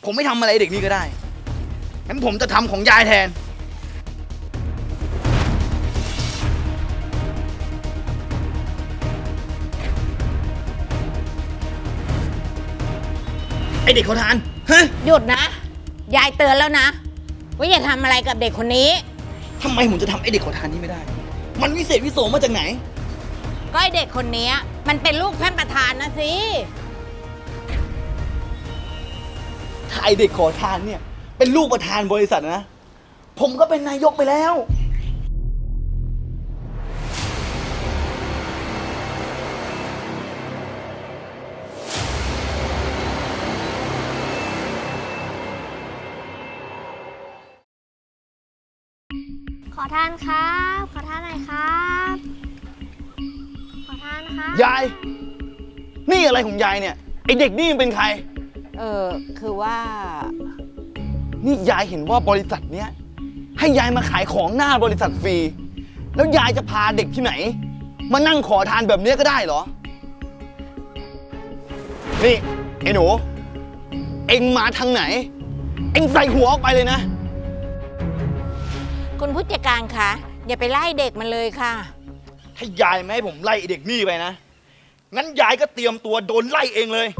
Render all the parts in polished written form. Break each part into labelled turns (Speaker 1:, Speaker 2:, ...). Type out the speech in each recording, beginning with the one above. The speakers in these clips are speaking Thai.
Speaker 1: ผมไม่ทำอะไรเด็กนี่ก็ได้งั้นผมจะทำของยายแทนไอเด็กขอทานฮะ
Speaker 2: หยุดนะยายเตือนแล้วนะว่าอย่าทำอะไรกับเด็กคนนี้
Speaker 1: ทำไมผมจะทำไอเด็กขอทานนี่ไม่ได้มันวิเศษวิโสมาจากไหน
Speaker 2: ก็ไอเด็กคนนี้มันเป็นลูกท่านประธานนะสิ
Speaker 1: ถ้าไอเด็กขอทานเนี่ยเป็นลูกประธานบริษัทนะผมก็เป็นนายกไปแล้ว
Speaker 3: ขอทานครับขอทานหน่อยครับขอทานครับ
Speaker 1: ยายนี่อะไรของยายเนี่ยไอเด็กนี่มันเป็นใคร
Speaker 2: คือว่า
Speaker 1: นี่ยายเห็นว่าบริษัทเนี้ยให้ยายมาขายของหน้าบริษัทฟรีแล้วยายจะพาเด็กที่ไหนมานั่งขอทานแบบนี้ก็ได้เหรอนี่ไอ้หนูเอ็งมาทางไหนเอ็งใส่หัวออกไปเลยนะ
Speaker 2: คุณผู้จัดการคะอย่าไปไล่เด็กมันเลยค่ะ
Speaker 1: ถ้ายายไม่ให้ผมไล่เด็กนี่ไปนะงั้นยายก็เตรียมตัวโดนไล่เองเลย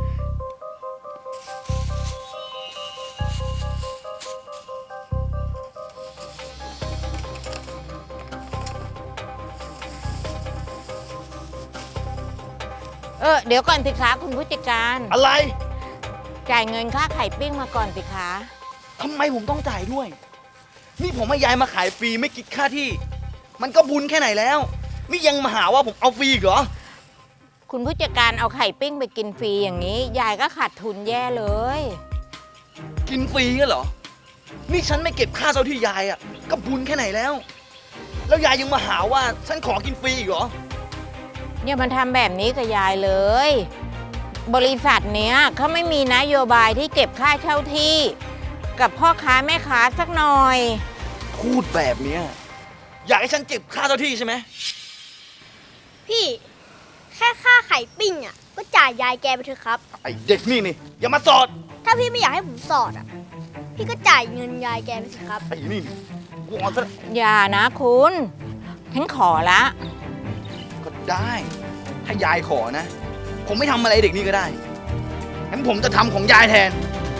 Speaker 2: เดี๋ยวก่อนสิคะคุณผู้จัดการ
Speaker 1: อะไร
Speaker 2: จ่ายเงินค่าไข่ปิ้งมาก่อนสิคะ
Speaker 1: ทำไมผมต้องจ่ายด้วยนี่ผมให้ยายมาขายฟรีไม่คิดค่าที่มันก็บุญแค่ไหนแล้วนี่ยังมาหาว่าผมเอาฟรีอีกเหรอ
Speaker 2: คุณผู้จัดการเอาไข่ปิ้งไปกินฟรีอย่างนี้ยายก็ขาดทุนแย่เลย
Speaker 1: กินฟรีกันเหรอนี่ฉันไม่เก็บค่าเช่าที่ยายอ่ะก็บุญแค่ไหนแล้วแล้วยายยังมาหาว่าฉันขอกินฟรีอีกเหรอ
Speaker 2: เนี่ยมันทำแบบนี้กับยายเลยบริษัทเนี้ยเขาไม่มีนโยบายที่เก็บค่าเช่าที่กับพ่อค้าแม่ค้าสักหน่อย
Speaker 1: พูดแบบนี้อยากให้ฉันเก็บค่าเช่าที่ใช่ไหม
Speaker 3: พี่แค่ค่าไข่ปิ้งอ่ะก็จ่ายยายแกไปเถอะครับ
Speaker 1: ไอเด็กนี่อย่ามาสอด
Speaker 3: ถ้าพี่ไม่อยากให้ผมสอดอ่ะพี่ก็จ่ายเงินยายแกไปสิครับ
Speaker 1: ไอ้นี่กูเอาซะ
Speaker 2: อย่านะคุณฉันขอละ
Speaker 1: ก็ได้ถ้ายายขอนะผมไม่ทำอะไรเด็กนี่ก็ได้งั้นผมจะทำของยายแทน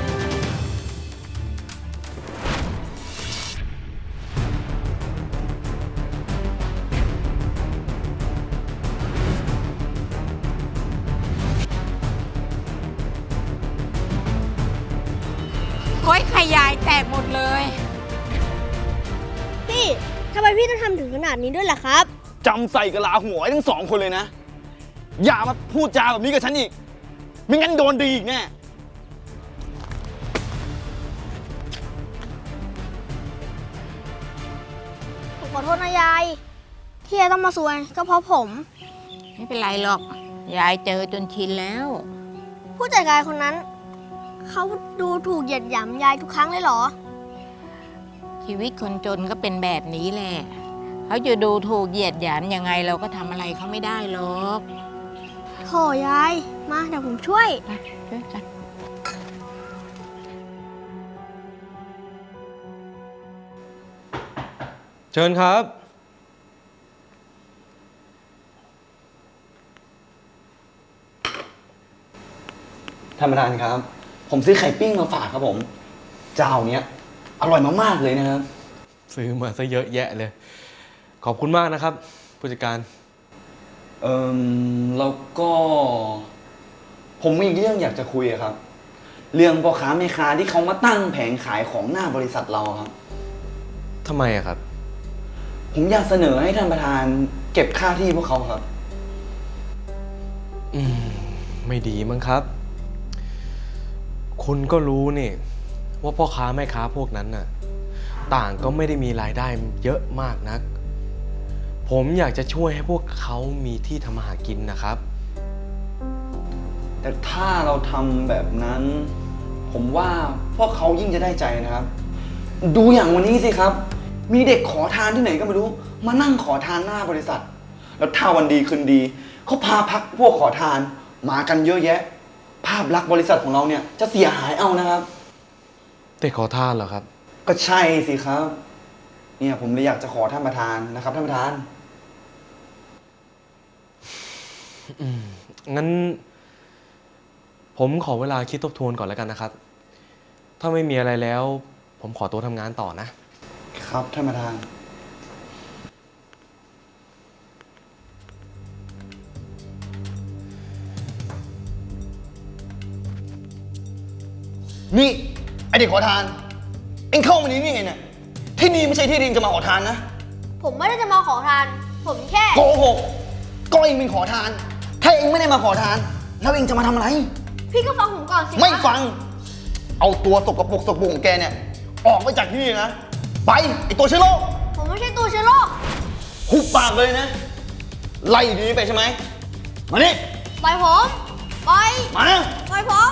Speaker 2: โอ้ยไข่ยายแตกหมดเลย
Speaker 3: พี่ทำไมพี่ต้องทำถึงขนาดนี้ด้วยล่ะครับ
Speaker 1: จำใส่กะลาหัวไอ้ทั้งสองคนเลยนะอย่ามาพูดจาแบบนี้กับฉันอีกไม่งั้นโดนดีอีกแน่
Speaker 3: ผมขอโทษนะยายที่ยายต้องมาซวยก็เพราะผม
Speaker 2: ไม่เป็นไรหรอกยายเจอจนชินแล้ว
Speaker 3: ผู้จัดการคนนั้นเขาดูถูกเหยียดหยามยายทุกครั้งเลยเหรอ
Speaker 2: ชีวิตคนจนก็เป็นแบบนี้แหละเขาจะดูถูกเหยียดหยามยังไงเราก็ทำอะไรเขาไม่ได้หรอก
Speaker 3: โถยายมาเดี๋ยวผมช่วย
Speaker 2: ช่วยกัน
Speaker 4: เชิญครับ
Speaker 1: ท่านประธานครับผมซื้อไข่ปิ้งมาฝากครับผมเจ้าเนี้ยอร่อยมากๆเลยนะครับ
Speaker 4: ซื้อมาซะเยอะแยะเลยขอบคุณมากนะครับผู้จัดการ
Speaker 1: แล้วก็ผมมีเรื่องอยากจะคุยครับเรื่องพ่อค้าแม่ค้าที่เขามาตั้งแผงขายของหน้าบริษัทเราครับ
Speaker 4: ทำไมอะครับ
Speaker 1: ผมอยากเสนอให้ท่านประธานเก็บค่าที่พวกเขาครับ
Speaker 4: ไม่ดีมั้งครับคุณก็รู้นี่ว่าพ่อค้าแม่ค้าพวกนั้นน่ะต่างก็ไม่ได้มีรายได้เยอะมากนักผมอยากจะช่วยให้พวกเขามีที่ทำมาหากินนะครับ
Speaker 1: แต่ถ้าเราทำแบบนั้นผมว่าพวกเขายิ่งจะได้ใจนะครับดูอย่างวันนี้สิครับมีเด็กขอทานที่ไหนก็ไม่รู้มานั่งขอทานหน้าบริษัทแล้วถ้าวันดีคืนดีเขาพาพักพวกขอทานมากันเยอะแยะภาพลักษณ์บริษัทของเราเนี่ยจะเสียหายเอานะครับ
Speaker 4: เด็กขอทานเหรอครับ
Speaker 1: ก็ใช่สิครับ เนี่ยผมเลยอยากจะขอท่านประธานนะครับท่านประธาน
Speaker 4: งั้น ผมขอเวลาคิดทบทวนก่อนแล้วกันนะครับ ถ้าไม่มีอะไรแล้ว ผมขอตัวทำงานต่อนะ
Speaker 1: ครับท่านประธาน นี่ไอเด็กขอทาน เอ็งเข้ามานี่ไงเนี่ย ที่นี่ไม่ใช่ที่ดินจะมาขอทานนะ
Speaker 3: ผมไม่ได้จะมาขอทาน ผมแค่
Speaker 1: โกหกก็เอ็งเป็นขอทาน ถ้าเอ็งไม่ได้มาขอทาน แล้วเอ็งจะมาทำอะไร
Speaker 3: พี่ก็ฟังผมก่อนสิ
Speaker 1: ไม่ฟัง เอาตัวสกปรกของแกเนี่ย ออกไปจากที่นี่นะ ไปไอตัวเชื้อโรค
Speaker 3: ผมไม่ใช่ตัวเชื้อโรค
Speaker 1: หุบปากเลยนะ ไล่ดีไปใช่ไหม มานี่
Speaker 3: ปล่อยผมปล่อย
Speaker 1: มานะ
Speaker 3: ปล่อยผม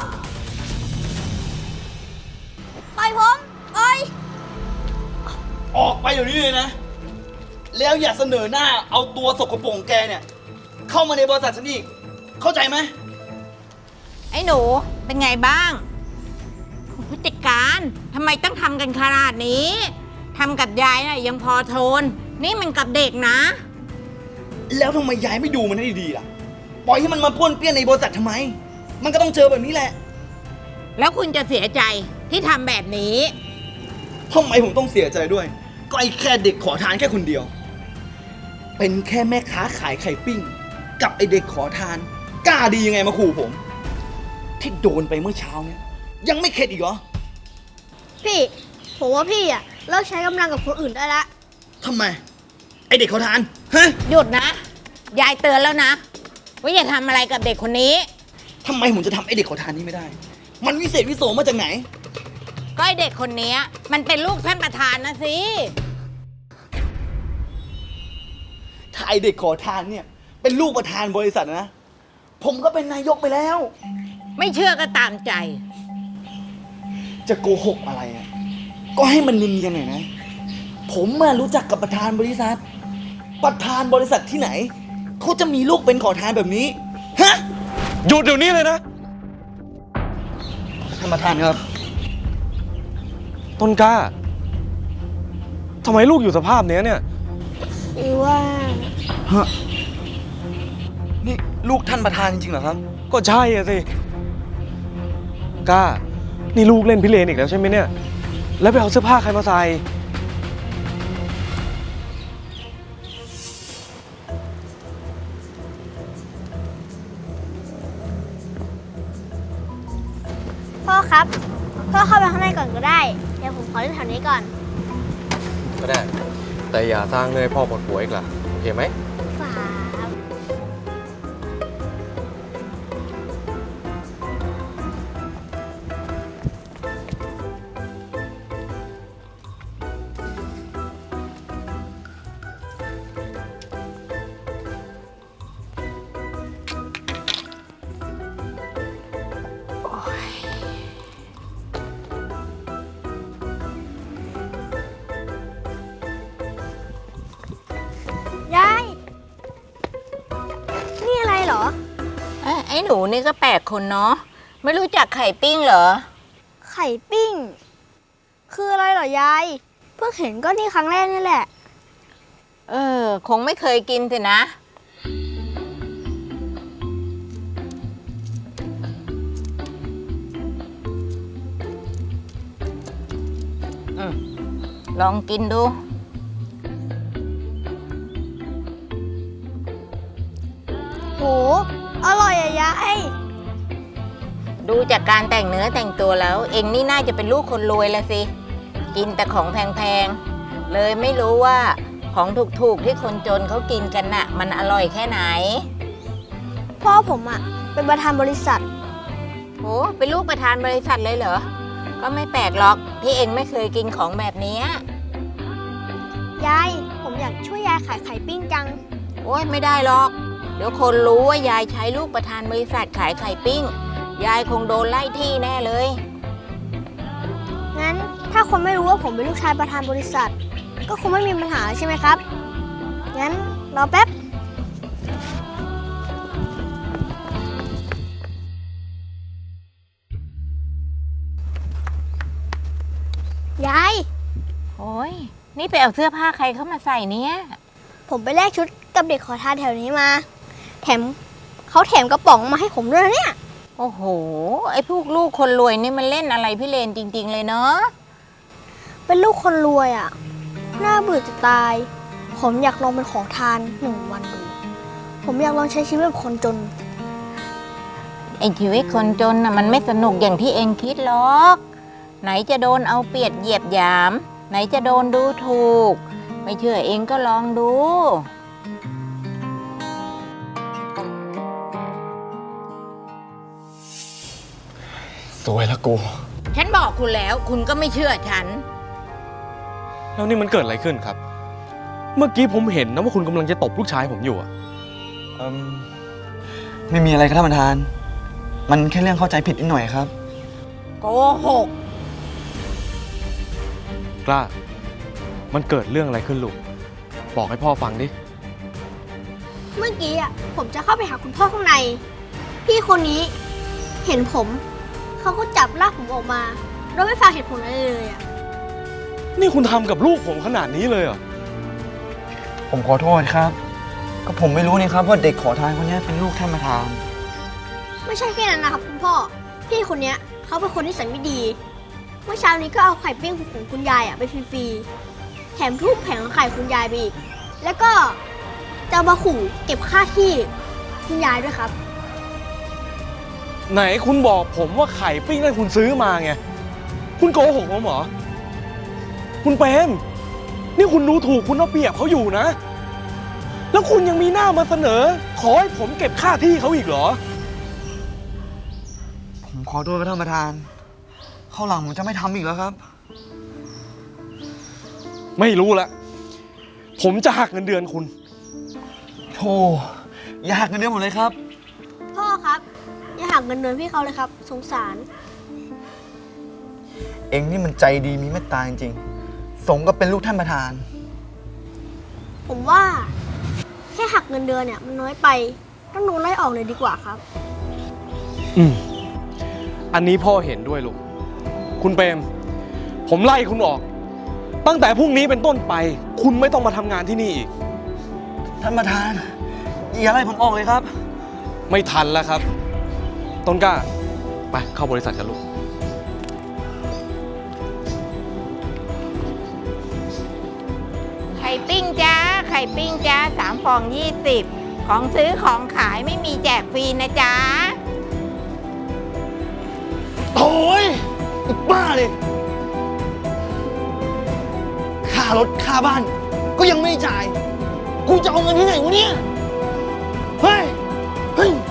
Speaker 3: ปล่อยผมปล่อย
Speaker 1: ออกไปเดี๋ยวนี้เลยนะ แล้วอย่าเสนอหน้าเอาตัวสกปรกของแกเนี่ย เข้ามาในบริษัทฉันอีก เข้าใจไหม
Speaker 2: ไอ้หนูเป็นไงบ้างผู้จัดการทำไมต้องทำกันขนาดนี้ทำกับยายน่ะยังพอทน นี่มันกับเด็กนะ
Speaker 1: แล้วทำไมยายไม่ดูมันให้ดีๆล่ะ ปล่อยให้มันมาป้วนเปี้ยนในบริษัททำไม มันก็ต้องเจอแบบนี้แหละ
Speaker 2: แล้วคุณจะเสียใจที่ทำแบบนี้
Speaker 1: ทำไมผมต้องเสียใจด้วย ก็ไอ้แค่เด็กขอทานแค่คนเดียว เป็นแค่แม่ค้าขายไข่ปิ้ง กับไอ้เด็กขอทาน กล้าดียังไงมาขู่ผม ที่โดนไปเมื่อเช้าเนี่ย ยังไม่เข็ดอีกเหรอ
Speaker 3: พี่ ผมว่าพี่อะเลิกใช้กำลังกับคนอื่นได้ละ
Speaker 1: ทำไม ไอ้เด็กขอทาน ฮะ
Speaker 2: หยุดนะ ยายเตือนแล้วนะ ว่าอย่าทำอะไรกับเด็กคนนี้
Speaker 1: ทำไมผมจะทำไอ้เด็กขอทานนี้ไม่ได้ มันวิเศษวิโสมาจากไหน
Speaker 2: ก็ไอเด็กคนนี้มันเป็นลูกท่านประธานนะสิ
Speaker 1: ถ้าไอ้เด็กขอทานเนี่ย เป็นลูกประธานบริษัทนะ ผมก็เป็นนายกไปแล้ว
Speaker 2: ไม่เชื่อก็ตามใจ
Speaker 1: จะโกหกอะไรอ่ะ ก็ให้มันเนียนๆหน่อยนะ ผมมารู้จักกับประธานบริษัท ประธานบริษัทที่ไหน เขาจะมีลูกเป็นขอทานแบบนี้ ฮะ
Speaker 4: หยุดเดี๋ยวนี้เลยนะ
Speaker 1: ท่านประธานครับ
Speaker 4: ต้นกล้า ทำไมลูกอยู่สภาพเนี้ยเนี่ย
Speaker 3: หรือว่า
Speaker 1: ฮะ นี่ลูกท่านประธานจริงๆเหรอครับ
Speaker 4: ก็ใช่อะสิกล้า นี่ลูกเล่นพิเรนอีกแล้วใช่ไหมเนี่ย แล้วไปเอาเสื้อผ้าใครมาใส่
Speaker 3: พ่อครับ พ่อเข้าไปข้างในก่อนก็ได้ เดี๋ยวผมขอเล่นแถวนี้ก่อน
Speaker 4: ก็ได้ แต่อย่าสร้างเนยพ่อปวดหัวอีกล่ะ โอเคไหม
Speaker 3: ครับ ยาย นี่อะไรเหรอ
Speaker 2: ไอ้หนูนี่ก็แปลกคนเนาะ ไม่รู้จักไข่ปิ้งเหรอ
Speaker 3: ไข่ปิ้ง คืออะไรเหรอยาย เพิ่งเห็นก็นี่ครั้งแรกนี่แหละ
Speaker 2: คงไม่เคยกินสินะ ลองกินดู
Speaker 3: โห อร่อยอะยาย
Speaker 2: ดูจากการแต่งเนื้อแต่งตัวแล้ว เองนี่น่าจะเป็นลูกคนรวยละสิ กินแต่ของแพงๆ เลยไม่รู้ว่าของถูกๆที่คนจนเขากินกันน่ะ มันอร่อยแค่ไหน
Speaker 3: พ่อผมอะเป็นประธานบริษัท
Speaker 2: โห เป็นลูกประธานบริษัทเลยเหรอ ก็ไม่แปลกหรอกที่เองไม่เคยกินของแบบเนี้ย
Speaker 3: ยาย ผมอยากช่วยยายขายไข่ปิ้งจัง
Speaker 2: โอ้ยไม่ได้หรอก เดี๋ยวคนรู้ว่ายายใช้ลูกประธานบริษัทขายไข่ปิ้ง ยายคงโดนไล่ที่แน่เลย
Speaker 3: งั้นถ้าคนไม่รู้ว่าผมเป็นลูกชายประธานบริษัท ก็คงไม่มีปัญหาใช่ไหมครับ งั้นรอแป๊บ
Speaker 1: น
Speaker 3: ยาย
Speaker 2: โอ้ยนี่ไปเอาเสื้อผ้าใครเข้ามาใส่เนี่ย
Speaker 3: ผมไปแลกชุดกับเด็กขอทานแถวนี้มา แถมเขาแถมกระป๋องมาให้ผมด้วยนะเนี่ย
Speaker 2: โอ้โห ไอ้พวกลูกคนรวยนี่มันเล่นอะไรพี่เลนจริง ๆ เลยเนาะ
Speaker 3: เป็นลูกคนรวยอ่ะ น่าเบื่อจะตาย ผมอยากลองเป็นขอทาน1 วันดู ผมอยากลองใช้ชีวิตแบบคนจน
Speaker 2: ไอ้ชีวิตคนจนน่ะมันไม่สนุกอย่างที่เองคิดหรอก ไหนจะโดนเอาเปรียบเหยียบหยาม ไหนจะโดนดูถูก ไม่เชื่อเองก็ลองดู
Speaker 1: สวยละกู
Speaker 2: ฉันบอกคุณแล้วคุณก็ไม่เชื่อฉัน
Speaker 4: แล้วนี่มันเกิดอะไรขึ้นครับ เมื่อกี้ผมเห็นนะว่าคุณกำลังจะตบลูกชายผมอยู่อะ
Speaker 1: ไม่มีอะไรครับท่านประธาน มันแค่เรื่องเข้าใจผิดนิดหน่อยครับ
Speaker 2: โกหก
Speaker 4: กล้า มันเกิดเรื่องอะไรขึ้นลูก บอกให้พ่อฟังดิ
Speaker 3: เมื่อกี้อ่ะผมจะเข้าไปหาคุณพ่อข้างใน พี่คนนี้เห็นผม เขาก็จับลากผมออกมาโดยไม่ฟังเหตุผลอะไรเลยอ่ะ
Speaker 4: นี่คุณทำกับลูกผมขนาดนี้เลยเหรอ
Speaker 1: ผมขอโทษครับ ก็ผมไม่รู้นี่ครับว่าเด็กขอทานคนนี้เป็นลูกท่านประธาน
Speaker 3: ไม่ใช่แค่นั้นนะครับคุณพ่อ พี่คนเนี้ยเขาเป็นคนที่สัยไม่ดี เมื่อเช้านี้ก็เอาไข่ปิ้งของคุณยายอ่ะไปฟรีๆ แถมทุบแผงไข่คุณยายไปอีก แล้วก็จะมาขู่เก็บค่าที่คุณยายด้วยครับ
Speaker 4: ไหนคุณบอกผมว่าไข่ปิ้งนั่นคุณซื้อมาไง คุณโกหกผมเหรอ คุณเปรมนี่คุณดูถูกคุณเอาเปรียบเขาอยู่นะ แล้วคุณยังมีหน้ามาเสนอ ขอให้ผมเก็บค่าที่เขาอีกเหรอ
Speaker 1: ผมขอโทษครับท่านประธานข้าวหลังผมจะไม่ทำอีกแล้วครับ
Speaker 4: ไม่รู้ละ ผมจะหักเงินเดือนคุณ
Speaker 1: โธ่อยากเงินเดือนหมดเลยครับ
Speaker 3: พ่อครับ อย่าหักเงินเดือนพี่เขาเลยครับ สงสาร
Speaker 1: เองนี่มันใจดีมีเมตตาจริงๆสมกับเป็นลูกท่านประธาน
Speaker 3: ผมว่าแค่หักเงินเดือนเนี่ยมันน้อยไปต้องโดนไล่ออกเลยดีกว่าครับ
Speaker 4: อันนี้พ่อเห็นด้วยลูก คุณเปรมผมไล่คุณออก ตั้งแต่พรุ่งนี้เป็นต้นไป คุณไม่ต้องมาทำงานที่นี่อีก
Speaker 1: ท่านประธานอย่าไล่ผมออกเลยครับ
Speaker 4: ไม่ทันแล้วครับ ต้นกล้า ไปเข้าบริษัทกันลูก
Speaker 2: ไข่ปิ้งจ้า ไข่ปิ้งจ้า3 ฟอง 20 ของซื้อของขายไม่มีแจกฟรีนะจ๊ะ
Speaker 1: โอ้ยไอ้บ้าเลยค่ารถค่าบ้าน ก็ยังไม่จ่าย กูจะเอาเงินที่ไหนวะเนี่ย เฮ้ย เฮ้ย